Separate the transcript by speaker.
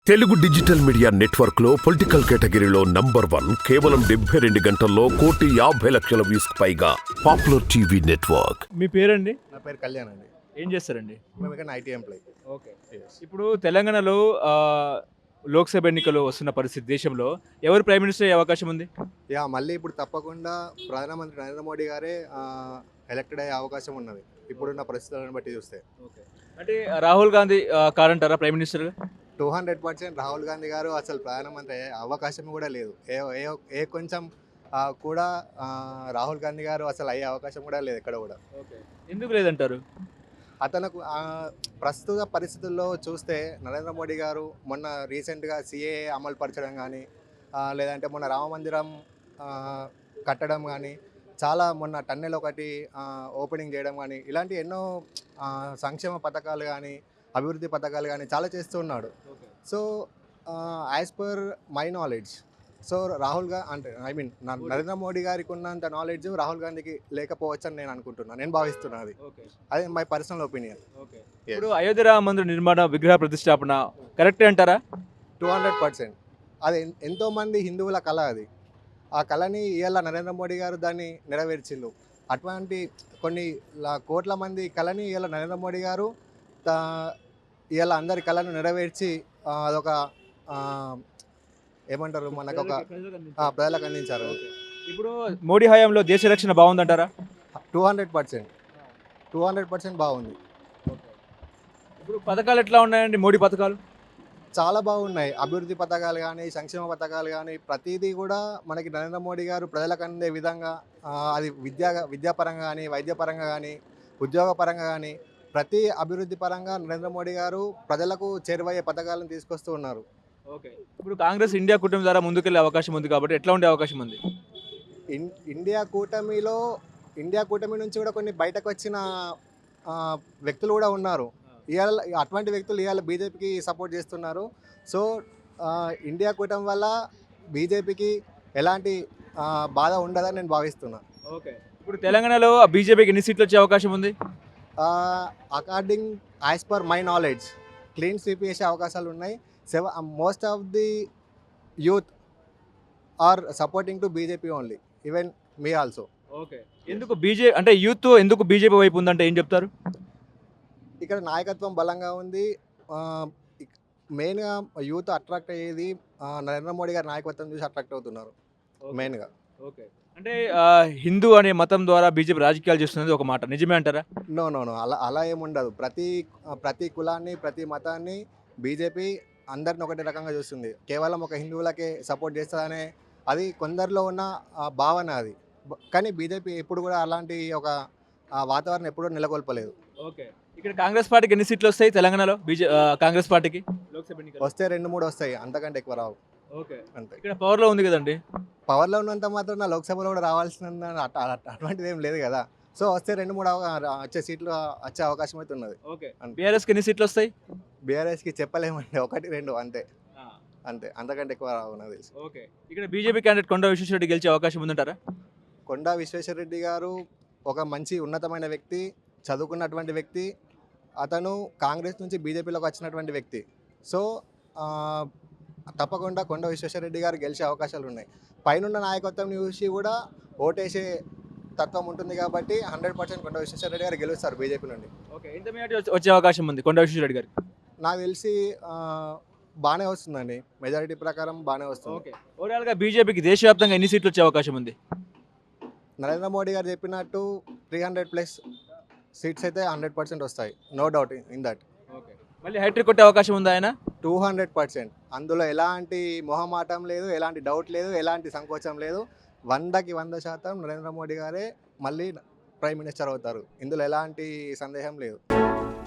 Speaker 1: Telugu digital media network లో political కేటగిరీలో number 1 కేవలం 72 గంటల్లో 1,50,00,000 వ్యూస్ పైగా పాపులర్ టీవీ నెట్వర్క్.
Speaker 2: మీ పేరండి?
Speaker 3: నా పేరు కళ్యాణ్ అండి.
Speaker 2: ఏం చేస్తారండి?
Speaker 3: మేము ఇక్కడ ఐటీ ఎంప్లాయీ.
Speaker 2: ఓకే. ఇప్పుడు తెలంగాణలో లోక్సభ ఎన్నికలు వస్తున్న పరిస్థితి దేశంలో ఎవరు ప్రైమ్ మినిస్టర్ అయ్యే అవకాశం ఉంది?
Speaker 3: మళ్ళీ ఇప్పుడు తప్పకుండా ప్రధానమంత్రి నరేంద్ర మోడీ గారే ఎలక్టెడ్ అయ్యే అవకాశం ఉన్నది ఇప్పుడున్న పరిస్థితులను బట్టి చూస్తే.
Speaker 2: అంటే రాహుల్ గాంధీ కారంటారా ప్రైమ్ మినిస్టర్?
Speaker 3: 200% రాహుల్ గాంధీ గారు అసలు ప్రధానమంత్రి అయ్యే అవకాశం కూడా లేదు. ఏ కొంచెం కూడా రాహుల్ గాంధీ గారు అసలు అయ్యే అవకాశం కూడా లేదు ఎక్కడ కూడా.
Speaker 2: ఎందుకు లేదంటారు?
Speaker 3: అతనికి ప్రస్తుత పరిస్థితుల్లో చూస్తే నరేంద్ర మోడీ గారు మొన్న రీసెంట్గా సిఏఏ అమలు పరచడం కానీ లేదంటే మొన్న రామ మందిరం కట్టడం కానీ చాలా మొన్న టన్నెల్ ఒకటి ఓపెనింగ్ చేయడం కానీ ఇలాంటి ఎన్నో సంక్షేమ పథకాలు కానీ అభివృద్ధి పథకాలు కానీ చాలా చేస్తూ ఉన్నాడు. So as per my knowledge Rahul Narendra Modi గారికి ఉన్నంత నాలెడ్జ్ రాహుల్ గాంధీకి లేకపోవచ్చు అని నేను అనుకుంటున్నాను, నేను భావిస్తున్నాను. అది మై పర్సనల్ ఒపీనియన్.
Speaker 2: ఇప్పుడు అయోధ్య రామ మందిర నిర్మాణ విగ్రహ ప్రతిష్టాపన కరెక్టే అంటారా?
Speaker 3: 200%. అది ఎంతోమంది హిందువుల కళ. అది ఆ కళని ఇవాళ నరేంద్ర మోడీ గారు దాన్ని నెరవేర్చిండు. అటువంటి కొన్ని కోట్ల మంది కళని ఇవాళ నరేంద్ర మోడీ గారు ఇవాళ అందరి కళను నెరవేర్చి అదొక ఏమంటారు మనకు ఒక ప్రజలకు అందించారు.
Speaker 2: ఇప్పుడు మోడీ హయాంలో దేశ రక్షణ బాగుందంటారా?
Speaker 3: 200% బాగుంది.
Speaker 2: ఇప్పుడు పథకాలు ఎట్లా ఉన్నాయండి? మోడీ పథకాలు
Speaker 3: చాలా బాగున్నాయి. అభివృద్ధి పథకాలు కానీ సంక్షేమ పథకాలు కానీ ప్రతిదీ కూడా మనకి నరేంద్ర మోడీ గారు ప్రజలకు అందే విధంగా అది విద్యాపరంగా కానీ వైద్యపరంగా కానీ ఉద్యోగపరంగా కానీ ప్రతి అభివృద్ధి పరంగా నరేంద్ర మోడీ గారు ప్రజలకు చేరువయ్యే పథకాలను తీసుకొస్తూ ఉన్నారు.
Speaker 2: ఓకే. ఇప్పుడు కాంగ్రెస్ ఇండియా కూటమి ద్వారా ముందుకెళ్ళే అవకాశం ఉంది కాబట్టి ఎట్లా ఉండే అవకాశం ఉంది?
Speaker 3: ఇండియా కూటమి నుంచి కూడా కొన్ని బయటకు వచ్చిన వ్యక్తులు కూడా ఉన్నారు. ఇవాళ అటువంటి వ్యక్తులు ఇవాళ బీజేపీకి సపోర్ట్ చేస్తున్నారు. సో ఇండియా కూటమి వల్ల బీజేపీకి ఎలాంటి బాధ ఉండదని నేను భావిస్తున్నాను.
Speaker 2: ఓకే. ఇప్పుడు తెలంగాణలో బీజేపీకి ఎన్ని సీట్లు వచ్చే అవకాశం ఉంది?
Speaker 3: According as per my knowledge clean sweep చేసే అవకాశాలు ఉన్నాయి. Most of the youth are supporting to BJP only, even me also.
Speaker 2: Okay. ఎందుకు యూత్ ఎందుకు బీజేపీ వైపు ఉందంటే ఏం చెప్తారు?
Speaker 3: ఇక్కడ నాయకత్వం బలంగా ఉంది. మెయిన్గా యూత్ అట్రాక్ట్ అయ్యేది నరేంద్ర మోడీ గారి నాయకత్వం చూసి అట్రాక్ట్ అవుతున్నారు మెయిన్గా.
Speaker 2: ఓకే. అంటే హిందూ అనే మతం ద్వారా బీజేపీ రాజకీయాలు చేస్తున్నది ఒక మాట, నిజమే అంటారా?
Speaker 3: నో అలా ఏముండదు. ప్రతి కులాన్ని ప్రతి మతాన్ని బీజేపీ అందరిని ఒకటే రకంగా చూస్తుంది. కేవలం ఒక హిందువులకే సపోర్ట్ చేస్తుందనే అది కొందరిలో ఉన్న భావన అది. కానీ బీజేపీ ఎప్పుడు కూడా అలాంటి ఒక వాతావరణం ఎప్పుడూ నెలకొల్పలేదు.
Speaker 2: ఓకే. ఇక్కడ కాంగ్రెస్ పార్టీకి ఎన్ని సీట్లు వస్తాయి తెలంగాణలో? కాంగ్రెస్ పార్టీకి
Speaker 3: వస్తే 2-3 వస్తాయి, అంతకంటే ఎక్కువ రావు.
Speaker 2: ఓకే.
Speaker 3: అంతే.
Speaker 2: ఇక్కడ పవర్లో ఉంది కదండి.
Speaker 3: పవర్లో ఉన్నంత మాత్రం లోక్సభలో కూడా రావాల్సిన అటువంటిది ఏం లేదు కదా. సో వస్తే 2-3 వచ్చే సీట్లు వచ్చే అవకాశం అయితే ఉన్నది.
Speaker 2: ఓకే. బీఆర్ఎస్కి ఎన్ని సీట్లు వస్తాయి?
Speaker 3: బీఆర్ఎస్కి చెప్పలేమండి, 1-2 అంతే. అంతకంటే ఎక్కువ రావు నాకు తెలిసి.
Speaker 2: ఓకే. ఇక్కడ బీజేపీ క్యాండిడేట్ కొండా విశ్వేశ్వరరెడ్డి గెలిచే అవకాశం ఉందంటారా?
Speaker 3: కొండా విశ్వేశ్వరరెడ్డి గారు ఒక మంచి ఉన్నతమైన వ్యక్తి, చదువుకున్నటువంటి వ్యక్తి. అతను కాంగ్రెస్ నుంచి బీజేపీలోకి వచ్చినటువంటి వ్యక్తి. సో తప్పకుండా కొండా విశ్వేశ్వరరెడ్డి గారు గెలిచే అవకాశాలు ఉన్నాయి. పైనున్న నాయకత్వం చూసి కూడా ఓటేసే తత్వం ఉంటుంది కాబట్టి 100% కొండా విశ్వేశ్వరరెడ్డి గారు గెలుస్తారు బీజేపీ నుండి.
Speaker 2: ఓకే. ఎంత మెజారిటీ వచ్చే అవకాశం ఉంది కొండా విశ్వేశ్వరరెడ్డి గారికి?
Speaker 3: నాకు తెలిసి బాగానే వస్తుందండి, మెజారిటీ ప్రకారం బాగానే వస్తుంది.
Speaker 2: ఓకే. ఓవరాల్గా బీజేపీకి దేశవ్యాప్తంగా ఎన్ని సీట్లు వచ్చే అవకాశం ఉంది?
Speaker 3: నరేంద్ర మోడీ గారు చెప్పినట్టు 300+ సీట్స్ అయితే 100% వస్తాయి, no doubt in that.
Speaker 2: Okay. మళ్ళీ హ్యాట్రిక్ కొట్టే అవకాశం ఉందా ఆయన?
Speaker 3: 200%. అందులో ఎలాంటి మొహమాటం లేదు, ఎలాంటి డౌట్ లేదు, ఎలాంటి సంకోచం లేదు. 100కి 100% నరేంద్ర మోడీ గారే మళ్ళీ ప్రైమ్ మినిస్టర్ అవుతారు. ఇందులో ఎలాంటి సందేహం లేదు.